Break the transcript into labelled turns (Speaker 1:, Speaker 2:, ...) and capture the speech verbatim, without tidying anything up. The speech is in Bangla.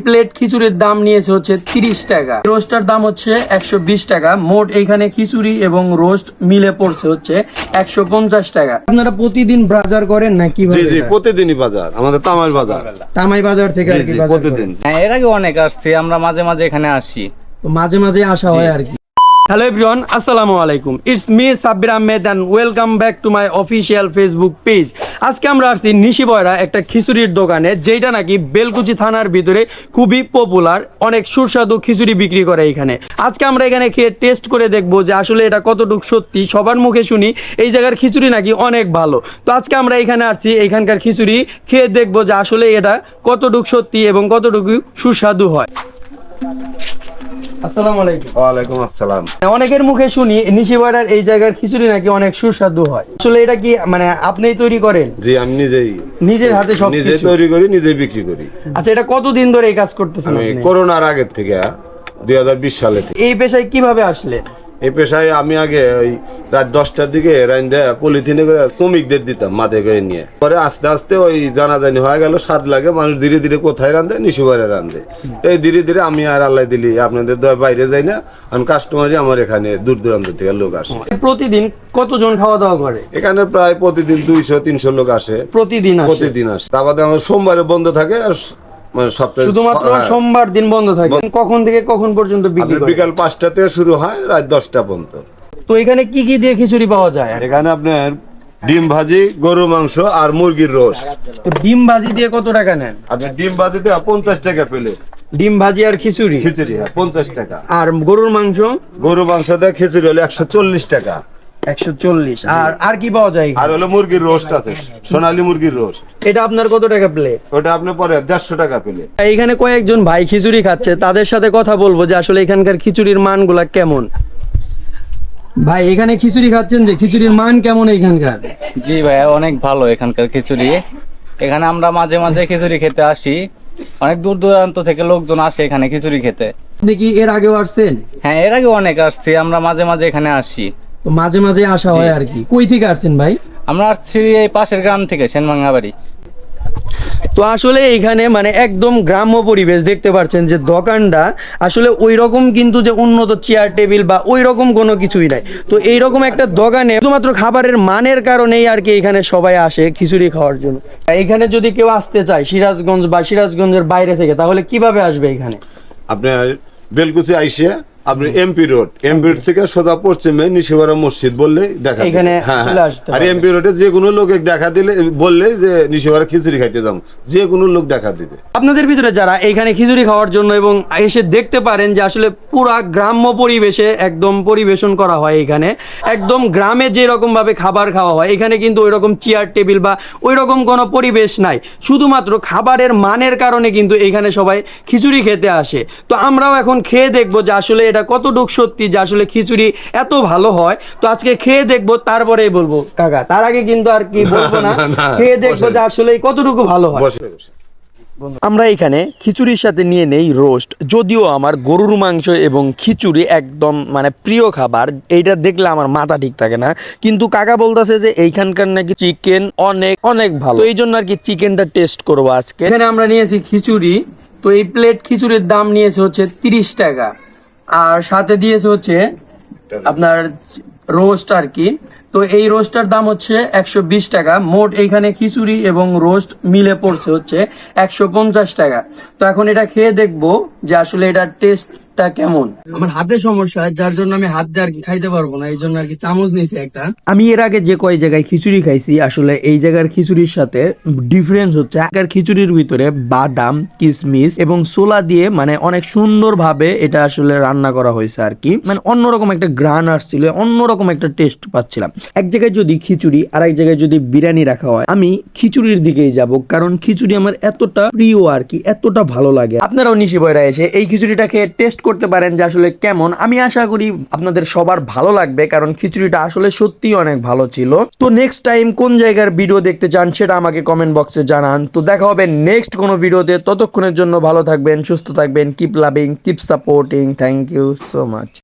Speaker 1: প্লেট খিচুড়ির দাম নিয়েছে হচ্ছে তিরিশ টাকা, রোস্টার দাম হচ্ছে একশো বিশ টাকা। মোট এইখানে খিচুড়ি এবং রোস্ট মিলে পড়ছে হচ্ছে একশো পঞ্চাশ টাকা। আপনারা প্রতিদিন বাজার করেন না কিভাবে?
Speaker 2: জি জি প্রতিদিনই বাজার, আমাদের তামাই বাজার।
Speaker 1: তামাই বাজার থেকে আর কি বাজার
Speaker 2: প্রতিদিন।
Speaker 3: হ্যাঁ, এর আগে অনেক আসছি, আমরা মাঝে মাঝে এখানে আসি,
Speaker 1: তো মাঝে মাঝে আসা হয় আর কি। হ্যালো এভরিওয়ান, আসসালামু আলাইকুম। It's me Sabbir Ahmed and welcome back to my official Facebook page. আজকে আমরা আসছি নিশিবয়রা একটা খিচুড়ির দোকানে, যেটা নাকি বেলকুচি থানার ভিতরে খুবই পপুলার, অনেক সুস্বাদু খিচুড়ি বিক্রি করে এখানে। আজকে আমরা এখানে খেয়ে টেস্ট করে দেখবো যে আসলে এটা কতটুকু সত্যি। সবার মুখে শুনি এই জায়গার খিচুড়ি নাকি অনেক ভালো, তো আজকে আমরা এখানে আসছি, এখানকার খিচুড়ি খেয়ে দেখবো যে আসলে এটা কতটুকু সত্যি এবং কতটুকু সুস্বাদু হয়। আসসালামু আলাইকুম।
Speaker 2: ওয়ালাইকুম আসসালাম।
Speaker 1: অনেকের মুখে শুনি নিশিবয়রার এই জায়গার খিচুড়ি নাকি অনেক সুস্বাদু হয়, আসলে এটা কি মানে আপনিই তৈরি করেন?
Speaker 2: জি, আমি নিজেই
Speaker 1: নিজের হাতে সব
Speaker 2: নিজে তৈরি করি, নিজে বিক্রি করি।
Speaker 1: আচ্ছা, এটা কতদিন ধরে এই কাজ করতেছেন
Speaker 2: আমি
Speaker 1: আপনি?
Speaker 2: করোনার আগের থেকে দুই হাজার বিশ সালে থেকে
Speaker 1: এই পেশায় কিভাবে আসলে?
Speaker 2: এই পেশায় আমি আগে ওই রাত দশটার দিকে রাইন্দে পলিথিনে করে শ্রমিকদের দিতাম মাঠে করে নিয়ে। পরে আস্তে আস্তে ওই জানাজানি হয়ে গেল, স্বাদ লাগে, মানুষ ধীরে ধীরে কোথায় রান্ধে, নিশিবয়রা রান্ধে। এই ধীরে ধীরে আমি আর আল্লাহ দিলি আপনাদের বাইরে যাই না, আমি কাস্টমারই আমার এখানে দূর দূরান্ত থেকে লোক আসে।
Speaker 1: প্রতিদিন কতজন খাওয়া দাওয়া করে?
Speaker 2: এখানে প্রায় প্রতিদিন দুইশো তিনশো লোক আসে,
Speaker 1: প্রতিদিন আসে?
Speaker 2: প্রতিদিন আসে। তা বাদে আমার সোমবারে বন্ধ থাকে, আর মানে সপ্তাহে
Speaker 1: শুধুমাত্র সোমবার দিন বন্ধ থাকে। কখন থেকে কখন পর্যন্ত বিক্রি করেন?
Speaker 2: বিকাল পাঁচটা থেকে শুরু হয়, রাত দশটা পর্যন্ত।
Speaker 1: তো এখানে কি কি দিয়ে খিচুড়ি পাওয়া যায়?
Speaker 2: এখানে আপনার ডিম ভাজি, গরু মাংস আর মুরগির রোস্ট।
Speaker 1: তো ডিম ভাজি দিয়ে কত টাকা নেন?
Speaker 2: আপনি ডিম ভাজিতে পঞ্চাশ টাকা পেলে,
Speaker 1: ডিম ভাজি আর খিচুড়ি
Speaker 2: খিচুড়ি পঞ্চাশ টাকা।
Speaker 1: আর গরুর মাংস?
Speaker 2: গরু মাংস দিয়ে খিচুড়ি হলে একশো চল্লিশ টাকা।
Speaker 1: একশো চল্লিশ। আর আর কি পাওয়া যায়?
Speaker 2: আর হলো মুরগির রোস্ট আছে, সোনালী মুরগির রোস্ট।
Speaker 1: এটা আপনার কত টাকা প্লেট?
Speaker 2: ওটা আপনার পরে দেড়শো টাকা পেলে।
Speaker 1: এইখানে কয়েকজন ভাই খিচুড়ি খাচ্ছে, তাদের সাথে কথা বলবো যে আসলে এখানকার খিচুড়ির মানগুলা কেমন। ভাই, এখানে খিচুড়ি খাচ্ছেন, যে খিচুড়ির মান কেমন এখানকার?
Speaker 3: জি ভাইয়া, অনেক ভালো এখানকার খিচুড়ি। এখানে আমরা মাঝে মাঝে খিচুড়ি খেতে আসি, অনেক দূর দূরান্ত থেকে লোকজন আসে এখানে খিচুড়ি খেতে।
Speaker 1: দেখি এর আগেও আসছেন?
Speaker 3: হ্যাঁ, এর আগে অনেক আসছি, আমরা মাঝে মাঝে এখানে আসি।
Speaker 1: তো মাঝে মাঝে আসা হয় আর কি। কই থেকে আসছেন ভাই?
Speaker 3: আমরা আসছি এই পাশের গ্রাম থেকে, সেনভাঙ্গাবাড়ি।
Speaker 1: তো আসলে এইখানে মানে একদম গ্রাম্য পরিবেশ, দেখতে পাচ্ছেন যে দোকানটা আসলে ওই রকম কিন্তু যে উন্নত চেয়ার টেবিল বা ওই রকম কোনো কিছুই নাই। তো এইরকম একটা দোকানে শুধুমাত্র খাবারের মানের কারণেই আর কি এখানে সবাই আসে খিচুড়ি খাওয়ার জন্য। এইখানে যদি কেউ আসতে চায় সিরাজগঞ্জ বা সিরাজগঞ্জের বাইরে থেকে, তাহলে কিভাবে আসবে এখানে?
Speaker 2: আপনার বেলকুচি আইসে আপনি এমপি রোড, এমপি রোড থেকে সোজা পশ্চিমে নিশিবয়রা মসজিদ বললেই দেখা দিবে।
Speaker 1: এখানে
Speaker 2: হ্যাঁ,
Speaker 1: চলে আসতে
Speaker 2: আর
Speaker 1: হবে।
Speaker 2: এমপি রোডে যে কোনো লোকে দেখা দিলে বললে যে নিশিবয়রা খিচুড়ি খাইতে যাবো, যে কোনো লোক দেখা দিবে।
Speaker 1: আপনাদের ভিতরে যারা এইখানে খিচুড়ি খাওয়ার জন্য এবং এসে দেখতে পারেন যে আসলে পুরা গ্রাম্য পরিবেশে একদম পরিবেশন করা হয়, এখানে একদম গ্রামে যে রকম ভাবে খাবার খাওয়া হয়, এখানে কিন্তু ওই রকম চেয়ার টেবিল বা ওই রকম কোনো পরিবেশ নাই। শুধুমাত্র খাবারের মানের কারণে কিন্তু এখানে সবাই খিচুড়ি খেতে আসে। তো আমরাও এখন খেয়ে দেখবো যে আসলে এটা কতটুক সত্যি যে আসলে খিচুড়ি এত ভালো হয়। তো আজকে খেয়ে দেখবো, তারপরেই বলবো কাকা। তার আগে কিন্তু আর কি বলবো না, খেয়ে দেখবো যে আসলে কতটুকু ভালো হয়।
Speaker 2: বসে বসে
Speaker 1: আমরা এখানে খিচুড়ির সাথে নিয়ে নেই রোস্ট। যদিও আমার গরুর মাংস এবং খিচুড়ি একদম মানে প্রিয় খাবার, এইটা দেখলে আমার মাথা ঠিক থাকে না, কিন্তু কাকা বলতেছে যে এইখানকার নাকি চিকেন অনেক অনেক ভালো, এই জন্য আর কি চিকেনটা টেস্ট করবো আজকে। এখানে আমরা নিয়েছি খিচুড়ি, তো এই প্লেট খিচুড়ির দাম নিয়েছে হচ্ছে তিরিশ টাকা, আর সাথে দিয়েছে হচ্ছে আপনার রোস্ট আর কি। তো এই রোস্টার দাম হচ্ছে একশো বিশ টাকা। মোট এইখানে খিচুড়ি এবং রোস্ট মিলে পড়ছে হচ্ছে একশো পঞ্চাশ টাকা। তো এখন এটা খেয়ে দেখবো যে আসলে এটার টেস্টটা কেমন। আমার হাতে সমস্যা, যার জন্য আমি হাত দিয়ে আর কি খাইতে পারবো না, এই জন্য আর কি চামচ নিয়েছি একটা। আমি এর আগে যে কয় জায়গায় খিচুড়ি খাইছি, আসলে এই জায়গার খিচুড়ির সাথে ডিফারেন্স হচ্ছে আগের খিচুড়ির ভিতরে বাদাম, কিশমিশ এবং ছোলা দিয়ে মানে অনেক সুন্দর ভাবে এটা আসলে রান্না করা হয়েছে আর কি। মানে অন্যরকম একটা গ্রান আসছিল, অন্যরকম একটা টেস্ট পাচ্ছিলাম। এক জায়গায় যদি খিচুড়ি আর এক জায়গায় যদি বিরিয়ানি রাখা হয়, আমি খিচুড়ির দিকেই যাব, কারণ খিচুড়ি আমার এতটা প্রিয় আর কি, এতটা ভালো লাগে। আপনারাও নিশিবয়রা এসে এই খিচুড়িটা খেয়ে টেস্ট করতে পারেন যে আসলে কেমন। আমি আশা করি আপনাদের সবার ভালো লাগবে, কারণ খিচুড়িটা আসলে সত্যি অনেক ভালো ছিল। তো নেক্সট টাইম কোন জায়গার ভিডিও দেখতে চান সেটা আমাকে কমেন্ট বক্সে জানান। তো দেখা হবে নেক্সট কোনো ভিডিওতে। ততক্ষণের জন্য ভালো থাকবেন, সুস্থ থাকবেন, keep loving, keep supporting. Thank you so much.